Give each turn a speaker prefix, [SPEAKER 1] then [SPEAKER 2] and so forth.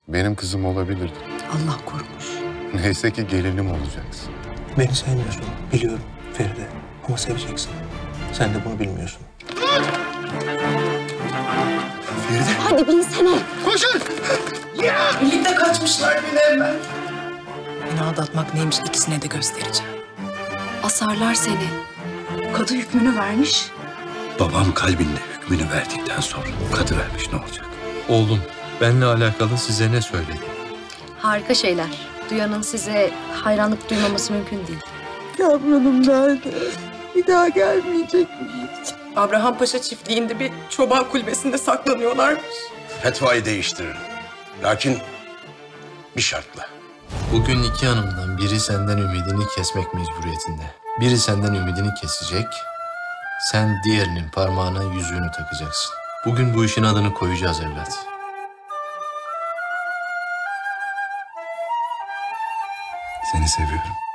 [SPEAKER 1] Benim kızım olabilirdi.
[SPEAKER 2] Allah korumuş.
[SPEAKER 1] Neyse ki gelinim olacaksın.
[SPEAKER 3] Beni sevmiyorsun, biliyorum Feride. Ama seveceksin. Sen de bunu bilmiyorsun.
[SPEAKER 1] Feride.
[SPEAKER 2] Hadi binsene.
[SPEAKER 1] Koşun!
[SPEAKER 4] Birlikte kaçmışlar Münevver.
[SPEAKER 2] Beni aldatmak neymiş ikisine de göstereceğim. Asarlar seni. Kadı hükmünü vermiş.
[SPEAKER 5] Babam kalbinde hükmünü verdikten sonra kadı vermiş ne olacak?
[SPEAKER 6] Oğlum, benle alakalı size ne söyledi?
[SPEAKER 7] Harika şeyler. Duyanın size hayranlık duymaması mümkün değil.
[SPEAKER 2] Yavrum nerede? Bir daha gelmeyecek mi hiç?
[SPEAKER 4] Abraham Paşa çiftliğinde bir çoban kulübesinde saklanıyorlarmış.
[SPEAKER 5] Fetvayı değiştiririm. Lakin bir şartla.
[SPEAKER 6] Bugün iki hanımdan biri senden ümidini kesmek mecburiyetinde. Biri senden ümidini kesecek, sen diğerinin parmağına yüzüğünü takacaksın. Bugün bu işin adını koyacağız evlat.
[SPEAKER 5] Seni seviyorum.